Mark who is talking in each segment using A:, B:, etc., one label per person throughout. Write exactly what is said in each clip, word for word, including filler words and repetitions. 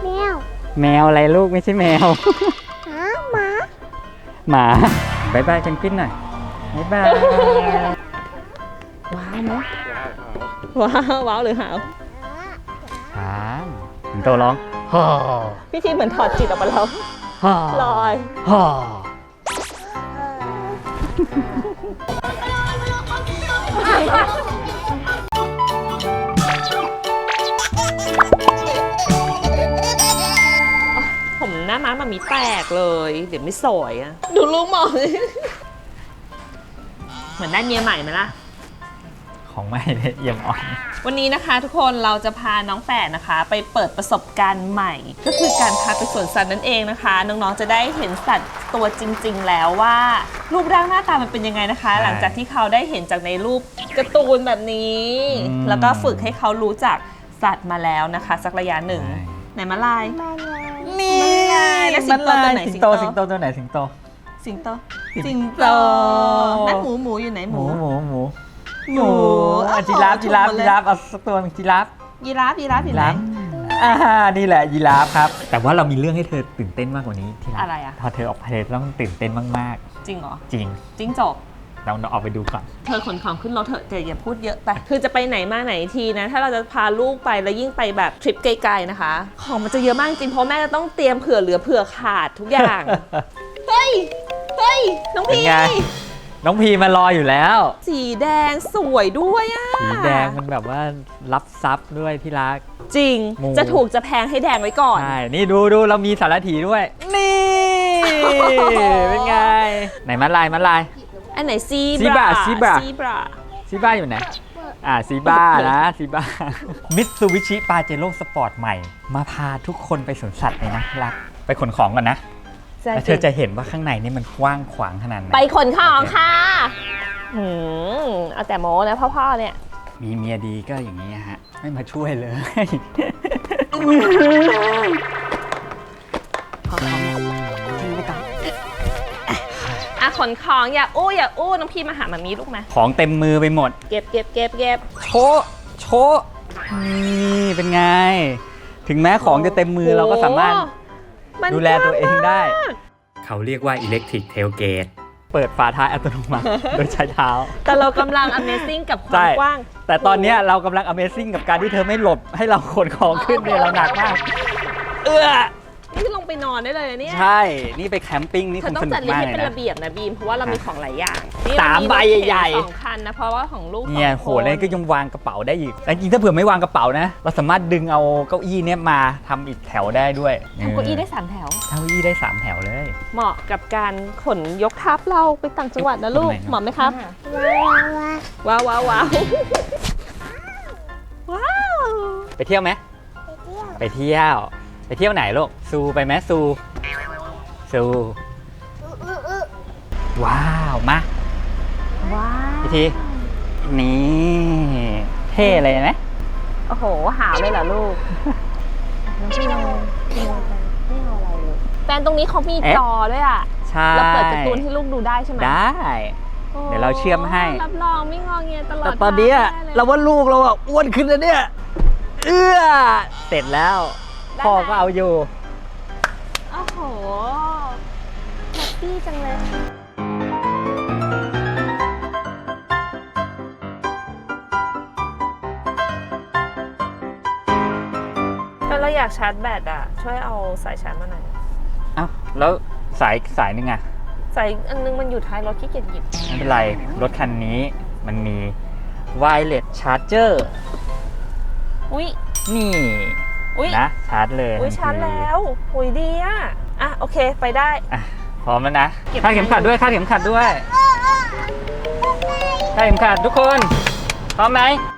A: แมว
B: แมวอะไรลูกไม่ใช่แมว
A: หมาหมา
B: หมาบายบายเพนกวินหน่อยบายบาย
C: ว้าวไหมว้าวว้าวหรือหาว
B: ช้างสิงโตร้องฮ่อ
C: พี่ทีเหมือนถอดจิตออกมาแล้ว
B: ฮ่อ
C: ลอย
B: ฮ่อ
C: ผมหน้าม้ามามีแตกเลยเดี๋ยวไม่สวยอะดูลูกหมอเหมือนได้เมียใหม่ไหมล่ะ
B: ของไม่เลยเยี่ยมอ่อน
C: วันนี้นะคะทุกคนเราจะพาน้องแฝดนะคะไปเปิดประสบการณ์ใหม่ก็คือการพาไปสวนสัตว์นั่นเองนะคะน้องๆจะได้เห็นสัตว์ตัวจริงๆแล้วว่ารูปร่างหน้าตามันเป็นยังไงนะคะ หลังจากที่เขาได้เห็นจากในรูปการ์ตูนแบบนี้แล้วก็ฝึกให้เขารู้จักสัตว์มาแล้วนะคะสักระยะหนึ่งไหนมาลาย
B: นี่
C: แล้วสิงโตตัวไหน
B: สิงโตสิงโตตัวไหนสิงโต
C: สิงโตสิงโตนั่นหมูหมูอยู่ไหนห
B: ห
C: มู
B: มูหมูหมู
C: หมู
B: จีราฟจีราฟจีราฟเอาสักตัวเป็นจีราฟ
C: ยีราฟยีราฟอยู่ไหน
B: อ่านี่แหละยีราฟครับแต่ว่าเรามีเรื่องให้เธอตื่นเต้นมากกว่านี้ที่
C: อะไรอะ
B: พอเธอออกไปเธอต้องตื่นเต้นมาก
C: ๆจริงเหรอ
B: จริง
C: จริงจบ
B: เราออกไปดูก่อน
C: เธอขนของขึ้นรถเถอะแต่อย่าพูดเยอะไปคือจะไปไหนมาไหนทีนะถ้าเราจะพาลูกไปแล้วยิ่งไปแบบทริปไกลๆนะคะของมันจะเยอะมากจริงเพราะแม่จะต้องเตรียมเผื่อเหลือเผื่อขาดทุกอย่าง เฮ้ยเฮ้ยน้องพี
B: น้องพีมารออยู่แล้ว
C: สีแดงสวยด้วยอ่ะ
B: สีแดงมันแบบว่ารับซับด้วยที่รัก
C: จริงจะถูกจะแพงให้แดงไว้ก่อน
B: ใช่นี่ดูดูเรามีสารถีด้วยนี่เป็นไงไหนมัดลายมัดลาย
C: อันไหนซี
B: บราซีบรา
C: ซีบรา
B: ซีบราอยู่ไหนอ่าซีบรานะซีบรามิตซูบิชิปาเจโร่สปอร์ตใหม่มาพาทุกคนไปสวนสัตว์เลยนะรักไปขนของก่อนนะแล้วเธอจะเห็นว่าข้างในนี่มันกว้างขวางขนาดไหน
C: ไปขนของค่ะอืมเอาแต่โม้นะพ่อๆเนี่ย
B: มีเมียดีก็อย่างนี้ฮะไม่มาช่วยเลย
C: ขอของทิ้งไปก่อนอ่ะขนของอย่าอู้อย่าอู้น้องพี่มาหามามีลูกมา
B: ของเต็มมือไปหมด
C: เก็บเก็บเก็บเก็บ
B: โชว์โชว์นี่เป็นไงถึงแม้ของจะเต็มมือเราก็สามารถดูแลตัวเองได้เขาเรียกว่า Electric Tailgate เปิดฝาท้ายอัตโนมัติโดยใช้เท้า
C: แต่เรากำลัง Amazing กับความกว้าง
B: แต่ตอนนี้เรากำลัง Amazing กับการที่เธอไม่หลบให้เราขนของขึ้นเนี่ยเราหนักมากเอื้อ
C: นี่ลงไปนอนได้เลยเนี่ย
B: ใช่นี่ไปแคมปิ้งนี่คงสนุกมากเลยนะ
C: เธอต้องจัดลิสต์ให้เป็นระเบียบนะบีมเพราะว่าเรามีของหลายอย่าง
B: สามใบใหญ่
C: ๆสองคันนะเพราะว่าของลูก
B: เนี่ยโหแล้วก็ยังวางกระเป๋าได้อีกแต่จริงถ้าเผื่อไม่วางกระเป๋านะเราสามารถดึงเอาเก้าอี้เนี่ยมาทำอีกแถวได้ด้วย
C: ทำเก้าอี้ได้สามแถว
B: เก้าอี้ได้สามแถวเลย
C: เหมาะกับการขนยกทัพเราไปต่างจังหวัดนะลูกเหมาะไหมครับว้าวว้าวว้าวว้าว
B: ไปเที่ยวไหมไปเที่ยวไปเที่ยวไหนลูกซูไปไหมซูซูว้าวมา
C: ว้าว
B: พี่ทีนี่เท่เลยไหม
C: โอ้โหหาวเลยเหรอลูกน้องพี่น้องพี่น้องไม่เอาอะไรเลยแฟนตรงนี้เขามีจอด้วยอ่ะ
B: ใช่
C: เราเปิดการ์ตูนให้ลูกดูได้ใช่ไหม
B: ได้เดี๋ยวเราเชื่อมให้
C: รับรองไม่งอเงียตลอด
B: แต่ตอนนี้เราว่าลูกเราอ่ะอ้วนขึ้นแล้วเนี่ยเอื้อเสร็จแล้วพ่อก็เอาอยู่
C: โอ้โหแฮปปี้จังเลยถ้าเราอยากชาร์จแบตอ่ะช่วยเอาสายชาร์จมาหน่อย
B: เอ้าแล้วสายสายนึงอ่ะ
C: สายอันนึงมันอยู่ท้ายรถขี้เกียจหยิบ
B: ไม่เป็นไรรถคันนี้มันมี wireless charger
C: อุ้ย
B: นี่นะชาร์จเลย
C: อุ้ยชาร์จแล้วหุยดีอ่ะอ่ะโอเคไปได้
B: อ่ะพร้อมแล้วนะคาดเข็มขัดด้วยคาดเข็มขัดด้วยคาดเข็มขัดทุกคนพร้อมไหม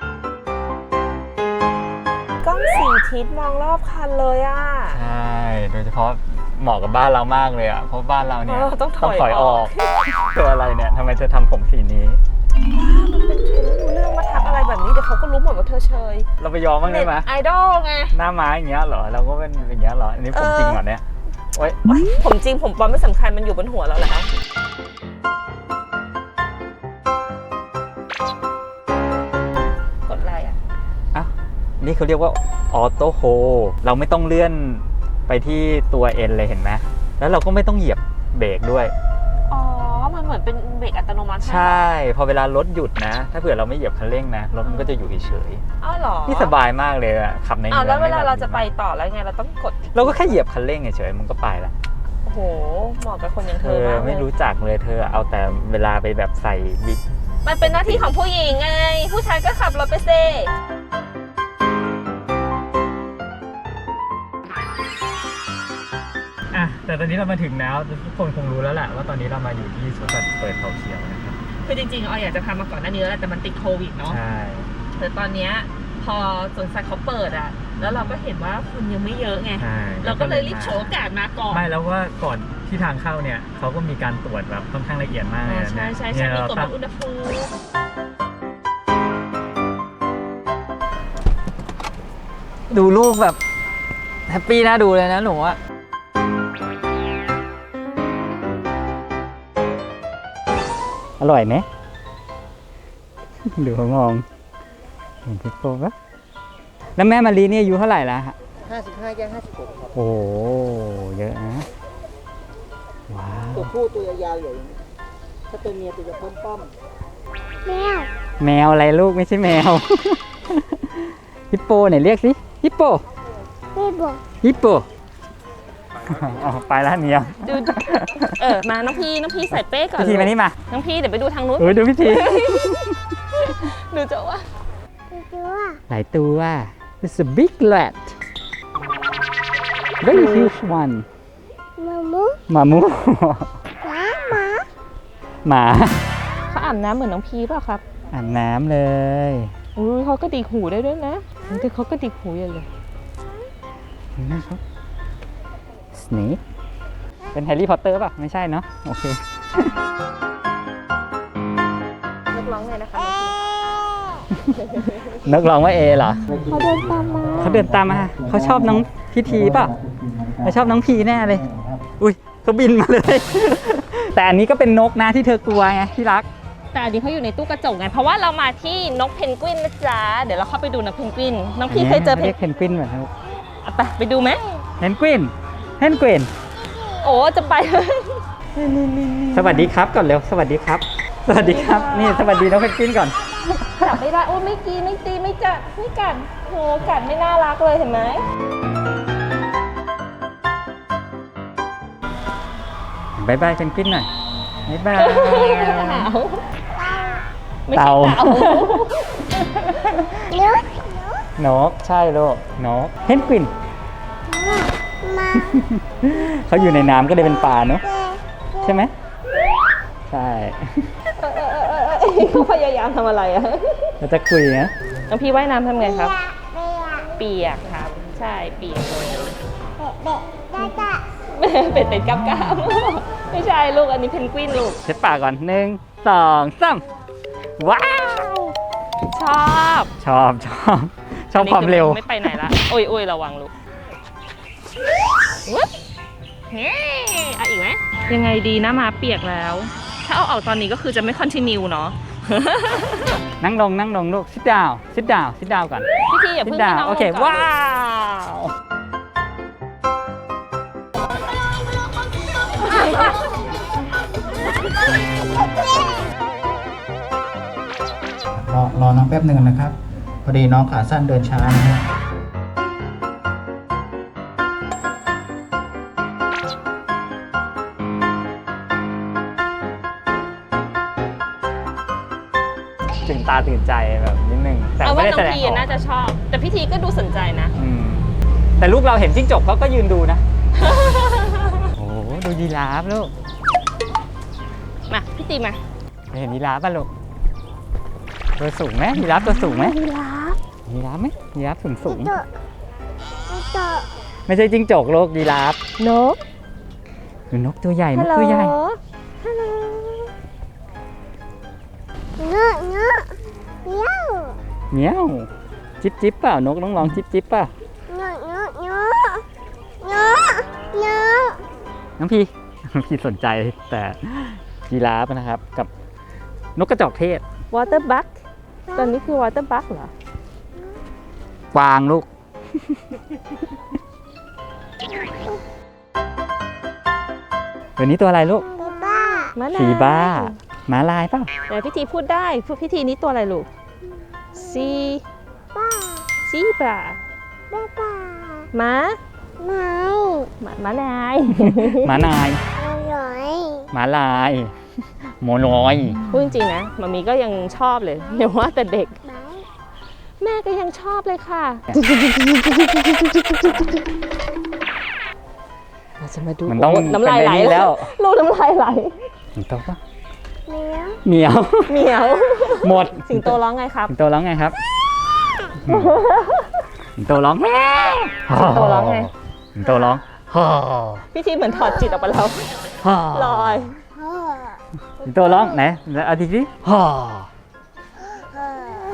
C: กล้องสี่ทิศมองรอบคันเลยอ่ะ
B: ใช่โดยเฉพาะเหมาะกับบ้านเรามากเลยอ่ะเพราะบ้านเราเนี่ย
C: ต้องถอยออก
B: ตัวอะไรเนี่ยทำไมเธอทำผมสีนี้
C: มันเป็นเทรนด์รู้เรื่องมาทักอะไรแบบนี้เดี๋ยวเขาก็รู้หมดว่าเธอเชย
B: เราไปยอมบ้างได้ไหม
C: ไอดอลไง
B: หน้าม้าอย่างเงี้ยเหรอเราก็เป็นอย่างเงี้ยเหรออันนี้ผมจริงเหรอเนี่ยโอ๊ย
C: ผมจริงผมปลอมไม่สำคัญมันอยู่บนหัวเราแล้วกดอะไรอ่ะ
B: อ้าวนี่เขาเรียกว่าออโต้โฮเราไม่ต้องเลื่อนไปที่ตัวเอ็นเลยเห็นไหมแล้วเราก็ไม่ต้องเหยียบเบรกด้วย
C: อ๋อมันเหมือนเป็นเบรกอัตโนมัติ
B: ใช่พอเวลารถหยุดนะถ้าเผื่อเราไม่เหยียบคันเร่งนะรถมันก็จะอยู่เฉย
C: ๆอ้าวเหรอ
B: นี่สบายมากเลยอะขับในเมือง
C: แล้วเวลาเราจะไปต่อแล้วไงเราต้องกด
B: เราก็แค่เหยียบคันเร่งเฉยๆมันก็ไปละ
C: โอ้โหเหมาะกับคนอย่างเธอ
B: มากเลยไม่รู้จักเลยเธอเอาแต่เวลาไปแบบใส่บิ๊ก
C: มันเป็นหน้าที่ของผู้หญิงไงผู้ชายก็ขับรถไปเซ่
B: อะแต่ตอนนี้เรามาถึงแล้วทุกคนคงรู้แล้วแหละว่าตอนนี้เรามาอยู่ที่สวนสัตว์เปิดเขาเขียวนะครับ
C: คือจริงๆออยอยากจะพามาก่อนหน้านี้แล้วแต่มันติดโควิดเนาะ
B: ใช่
C: แต่ตอนนี้พอสวนสัตว์เขาเปิดอ่ะแล้วเราก็เห็นว่าคนยังไม่เยอะไงเราก็เลยรีบโฉมโอกาสมาก่อน
B: ไม่แล้วว่าก่อนที่ทางเข้าเนี่ยเขาก็มีการตรวจแบบค่อนข้างละเอียดมากเลยนะ
C: ใช่ใช่ใช่มีตรวจวัดอุณหภูมิ
B: ดูลูกแบบแฮปปี้น่าดูเลยนะหนูอะอร่อยไหมดูเขามองเห็นพี่โป้ปะแล้วแม่มารีนี่อายุเท่าไหร่แล้วฮะ
D: ห้าสิบห้าย่างห้าสิบหกครับ
B: โอ้เยอะนะว้าว
D: ตัวผู้ตัวยาวๆอย่างนี้ถ้าตัวเมียตัวจะป้อมป้อม
A: แมว
B: แมวอะไรลูกไม่ใช่แมวฮิปโปไหนเรียกสิฮิปโป
A: ฮิปโป
B: ฮิปโปอ๋อไปแล้วเนี่ย
C: ดูเออมาน้องพี่น้องพี่ใส่เป้ก่อน
B: พี่ทีมานี่มา
C: น้องพี่เดี๋ยวไปดูทางนู้น
B: เออดูพี่ที
C: ดูเจ้าว่า
B: หลายตัว It's a big rat very huge one
A: มามู
B: มามู
A: หมาหมา
B: หมา
C: เขาอาบน้ำเหมือนน้องพี่เปล่าครับ
B: อาบน้ำเลย
C: อุ้ยเขาก็ดิกหูได้ด้วยนะแต่เขาก็ดิกหูอย่างเลย
B: นะครับ Snake เป็นแฮร์รี่พอตเตอร์ป่ะไม่ใช่เนาะโอเ
C: คนกร้องไงนะคะ
B: นกร้องว่าเอเหรอ
A: เขาเดินตามมา
B: เขาเดินตามมาเขาชอบน้องพิธีป่ะเขาชอบน้องพีแน่เลยอุ้ยเขาบินมาเลยแต่อันนี้ก็เป็นนกนะที่เธอกลัวไงที่รัก
C: แต่อันนี้เขาอยู่ในตู้กระจกไงเพราะว่าเรามาที่นกเพนกวินนะจ๊ะเดี๋ยวเราเข้าไปดูนกเพนกวินน้องพี่เคยเจอ
B: เพนกวินเหมือนกัน
C: ไปไปดูไหม
B: เพนกวินเพนกวิน
C: โอ้จะไป
B: สวัสดีครับก่อนเร็วสวัสดีครับสวัสดีครับนี่สวัสดีน้องเพนกวินก่อน
C: จับไม่ได้โอ้ไม่กีไม่ตีไม่จับไม่กัดโหกัดไม่น่ารักเลยเห็นไหม
B: บายบายเพนกวินหน่อยบายบาย
C: เต่า
A: นก
B: นกใช่ลูกนกเพนกวินเขาอยู่ในน้ำก็เลยเป็นปลาเนาะใช่ไหมใช่
C: เขาพยายามทำอะไรอ่ะ
B: เราจะคุยนะ
C: น้องพี่ว่ายน้ำทำไงครับเปียกครับใช่เปียกเลยเป็ดเป็ดกับกามไม่ใช่ลูกอันนี้เพนกวินลูก
B: เช็ดปากก่อนหนึ่งสองสามว้าว
C: ชอบ
B: ชอบชอบชอบความเร็ว
C: ไม่ไปไหนละโอ้ยโอ้ยระวังลูกเฮ้เอาอีกไหมยังไงดีนะมาเปียกแล้วถ้าเอาออกตอนนี้ก็คือจะไม่คอนทินิวเนาะ
B: นั่งลงนั่งลงลูก sit down sit down sit down ก่อน
C: พี่ทีอย่าเพิ่งนั่งลง
B: โอเคว้าว
D: รอรอน้องแป๊บหนึ่งนะครับพอดีน้องขาสั้นเดินช้านะครับ
B: ตื่นตาตื่นใจแบบนิดนึง
C: แต่ไม่ได้แสดงออกน้องพีน่าจะชอบแต่พี่ทีก็ดูสนใจนะ
B: แต่ลูกเราเห็นจิ้งจกเขาก็ยืนดูนะโอ้ดูยีราฟลูก
C: มาพี่ตีมา
B: เห็นยีราฟป่ะลูกตัวสูงไหมยีราฟตัวสูงไหม
A: ยีราฟ
B: ยีราฟไหมยีราฟสูงสูงไม่ใช่จิ้งจกโลกยีราฟ
A: นก
B: หรือนกตัวใหญ่นกตัวใหญ่
A: เงาะเงาะเงี้ยว
B: เงี้ยวจิ๊บจิ๊บเปล่านกน้องลองจิ๊บจิ๊บเปล่า
A: เงาะเงาะเงาะเงาะเงาะ
B: น้องพี่น้องพี่สนใจแต่ยีราฟนะครับกับนกกระจอกเทศ
C: water bug ตอนนี้คือ water bug เหรอก
B: วางลูกตัวนี้ตัวอะไรลูก
A: บ๊ายบ้า
C: ม้าลาย
B: ชีบ้าหมาลายเปล่า
C: แต่พิธีพูดได้พูดพิธีนี้ตัวอะไรลูกซี
A: บ้า
C: ซีบรา
A: บ๊ายบ้า
C: ม้า
A: ไม่
C: ม้าม้านาย
B: หมานาย
A: อร่อย
B: หมาลายโมลอย
C: พูดจริงๆนะมามีก็ยังชอบเลยเดี๋ยวว่าแต่เด็ก
A: ไหม
C: แม่ก็ยังชอบเลยค่ะเราจะมาดู
B: มันต้อง
C: โน้ำลายไหล
B: เป็นในนี้แล้ว
C: ลูกน้ำลายไหล
B: สิงโตปะ
A: เมียว
B: เหมียว
C: เหมียว
B: หมด
C: สิงโตร้องไงครับ
B: สิงโตร้องไงครับสิงโตร้อง
C: สิงโตร้องไง
B: สิงโตร้องฮ่อ
C: พี่ทีเหมือนถอดจิตออกไปแล้ว
B: ฮ่อ
C: ลอย
A: พ่อ
B: สิงโตร้องไหนแล้วเอาทีนี้ฮ่อ
A: พ่อ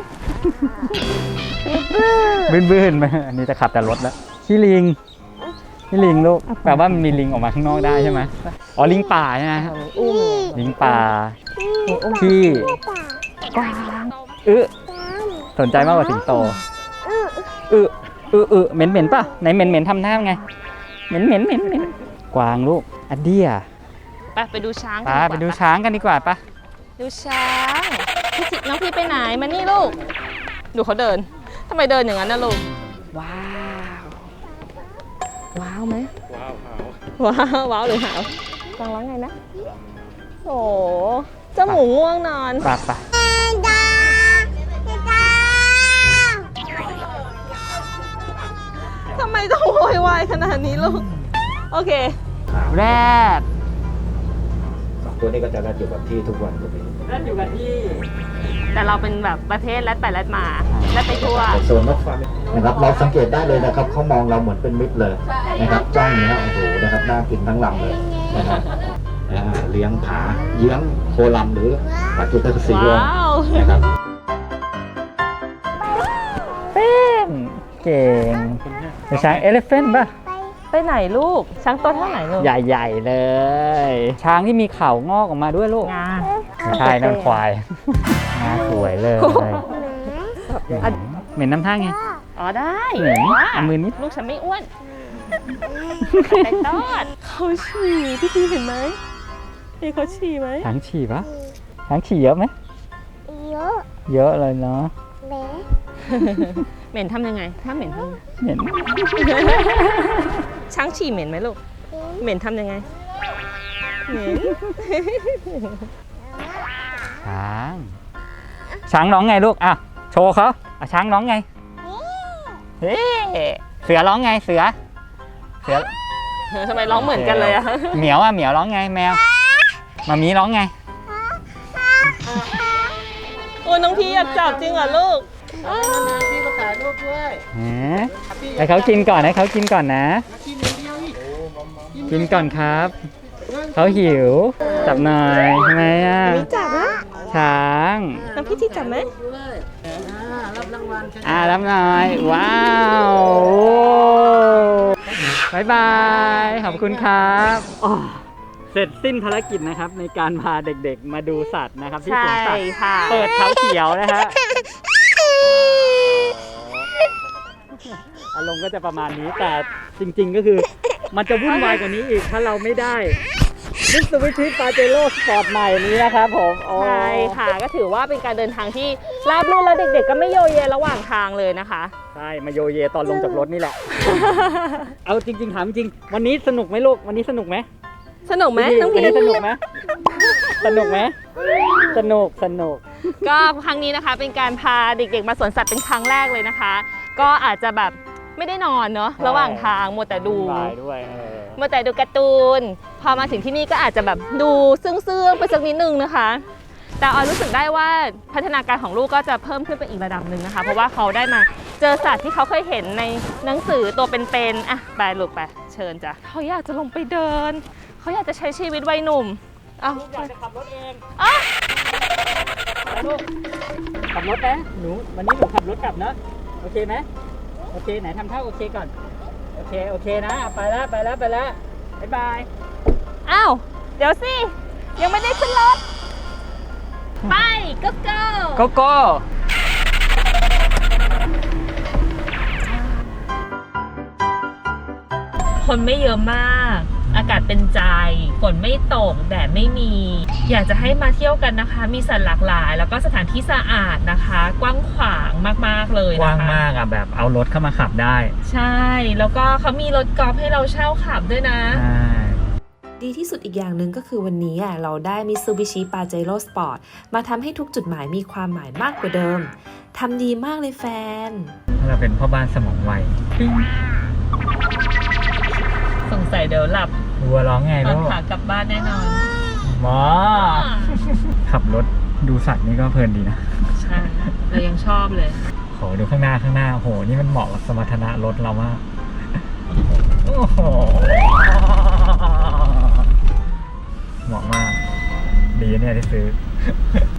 B: บื้นบื้นๆไหมอันนี้จะขับแต่รถแล้วขี้ลิงขี้ลิงลูกแปลว่ามันมีลิงออกมาข้างนอกได้ใช่ไหมอ๋อลิงป่าใช่ไหม
C: อุ้ม
B: ลิงป่า
C: อุ้ม
B: ที่
A: กวาง
B: อึ
A: กวาง
B: สนใจมากกว่าสิงโต
A: อื้อ
B: อึอึอึเหม็นเหม็นป่ะไหนเหม็นเหม็นทำหน้าไงเหม็นเหม็นเหม็นเหม็นกวางลูกอันเดีย
C: ไปไปดูช้างกัน
B: ป้า
C: ดีก
B: ไป
C: ว่า
B: ดูช้างกันดีกว่าป่ะ
C: ดูช้างพี่จิน้องพี่ไปไหนมานี่ลูกดูเขาเดินทำไมเดินอย่างนั้นนะลูกว้าวว้าวไหมว้าวว้าวว้าวหรือหาวฟังร้องไงนะโอ้เจ้าหมูง่วงนอน
B: ป่ะป่ะ
A: ดาดา
C: ทำไมต้องโวยวายขนาดนี้ลูกโอเค
B: แรด
D: สองตัวนี้ก็จะรัดอยู่กับที่ทุกวันเลย
B: แรดอยู่กันที่
C: แต่เราเป็นแบบประเภทแรดไปแรดมาแรดไปทั่ว
D: โซนนกฟ้านะครับเราสังเกตได้เลยนะครับเขามองเราเหมือนเป็นมิตรเลยนะครับจ้องนี้โอ้โหนะครับน่ากินทั้งลำเลยนะครับอ่าเลี้ยงผาเยื้องโคลัมหรือผาจุดตะสีวง
C: ว้าว
D: นะครับ
B: เป็นเก่งเป็นช้างเอเลฟเฟนป่ะ
C: ไปไหนลูกช้างตัวเท่าไหนลูก
B: ใหญ่ๆเลย ช้างที่มีเขางอกออกมาด้วยลูก
C: งา
B: ไม่ใช่นั่นควายงาสวยเลยเหม็นน้ำท่าไง
C: อ๋อได้
B: เหม็นเอามือนิด
C: ลูกฉันไม่อ้วนแต่ตอดเขาฉี่พี่ทีเห็นไหมเฮ้ยเขาฉี่ไหม
B: ช้างฉี่ปะช้างฉี่เยอะไหม
A: เยอะ
B: เยอะเลยเนาะ
A: แม่
C: เหม็นทำยังไง ถ้าเหม็นทำยังไง
B: เหม็น
C: ช้างฉี่เหม็นไหมลูก เหม็นทำยังไง เหม็น
B: ช้าง ช้างร้องไงลูกอ่ะโชว์เขาอ่ะช้างร้องไงเฮ้เสือร้องไงเสือ เสือ
C: ทำไมร้องเหมือนกันเลยอะ
B: เหมียวอ่ะเหมียวร้องไงแมวมามีร้องไง
C: โอ้น้องพี่อยากจับจริงเหรอลูก
B: ให้เขากินก่อนให้เขากินก่อนนะ กินก่อนครับ เขาหิว จับหน่อยทำไมอ่ะ
C: มีจับนะ
B: ช้าง
C: น้องพี่ที่จับไหม
B: อ่ารับหน่อย ว้าวบายบาย ขอบคุณครับอ๋อเสร็จสิ้นภารกิจนะครับในการพาเด็กๆมาดูสัตว์นะครับที่สวนสัตว์
C: ค่ะ
B: เปิดเขาเขียวนะฮะ อารมณ์ก็จะประมาณนี้แต่จริงๆก็คือมันจะวุ่นวายกว่านี้อีกถ้าเราไม่ได้มิตซูบิชิปาเจโร่สปอร์ตใหม่นี้นะครับผมโอ้
C: ใช่ค่ะก็ถือว่าเป็นการเดินทางที่ราบรื่นแล้วเด็กๆก็ไม่โยเยระหว่างทางเลยนะคะ
B: ใช่มาโยเยตอนลงจากรถนี่แหละ เอาจริงๆถามจริงวันนี้สนุกไหมลูกวันนี้สนุกไหม
C: สนุกไหมน้อง
B: วัน
C: พี่
B: นี้สนุกไหมสนุกไหมสนุกสนุก
C: ก็ครั้งนี้นะคะเป็นการพาเด็กๆมาสวนสัตว์เป็นครั้งแรกเลยนะคะ ก็อาจจะแบบไม่ได้นอนเนาะระหว่างทางมัวแต่ดู
B: บายด้วยเออ
C: มัวแต่ดูการ์ตูนพอมาถึงที่นี่ก็อาจจะแบบดูซึ้งๆไปสักนิดนึงนะคะ แต่ออยรู้สึกได้ว่าพัฒนาการของลูกก็จะเพิ่มขึ้นไปอีกระดับหนึ่งนะคะ เพราะว่าเขาได้มาเจอสัตว์ที่เขาเคยเห็นในหนังสือตัวเป็นๆอ่ะไปลูกไปเชิญจ้ะเขาอยากจะลงไปเดินเขาอยากจะใช้ชีวิตวัยหนุ่มเอา
B: อยากจะขับรถเอง
C: อ่ะ
B: ไปลูกขับรถนะหนูวันนี้หนูขับรถกลับนะโอเคไหมโอเคไหนทำท่าโอเคก่อนโอเคโอเคนะไปแล้วไปแล้วไปแล้วบ๊ายบาย
C: อ้าวเดี๋ยวสิยังไม่ได้ขึ้นรถไปก็เก้า
B: โกโก้
C: คนไม่เยอะมาก อากาศเป็นใจฝนไม่ตกแดดไม่มี อยากจะให้มาเที่ยวกันนะคะ มีสัตว์หลากหลาย แล้วก็สถานที่สะอาดนะคะ กว้างขวางมากๆเลยนะคะ
B: กว้างมากอ่ะแบบเอารถเข้ามาขับได้
C: ใช่ แล้วก็เขามีรถกอล์ฟให้เราเช่าขับด้วยนะ
B: ใช่
C: ดีที่สุดอีกอย่างหนึ่งก็คือวันนี้อ่ะเราได้ Mitsubishi Pajero Sport มาทำให้ทุกจุดหมายมีความหมายมากกว่าเดิมทำดีมากเลยแฟน
B: เราเป็นพ่อบ้านสมองไว
C: สงสัยเดี๋ยวหลับ
B: วัวร้องไง
C: ตอ
B: ลู
C: น
B: ก
C: ขากลับบ้านแน่นอน
B: หมอ ขับรถดูสัตว์นี่ก็เพลินดีนะ
C: ใช่ เรายังชอบเลย
B: ขอดูข้างหน้าข้างหน้าโอ้โห นี่มันเหมาะกับสมรรถนะรถเรามาก โอ้โห เหมาะมาก ดีเนี่ยที่ซื้อ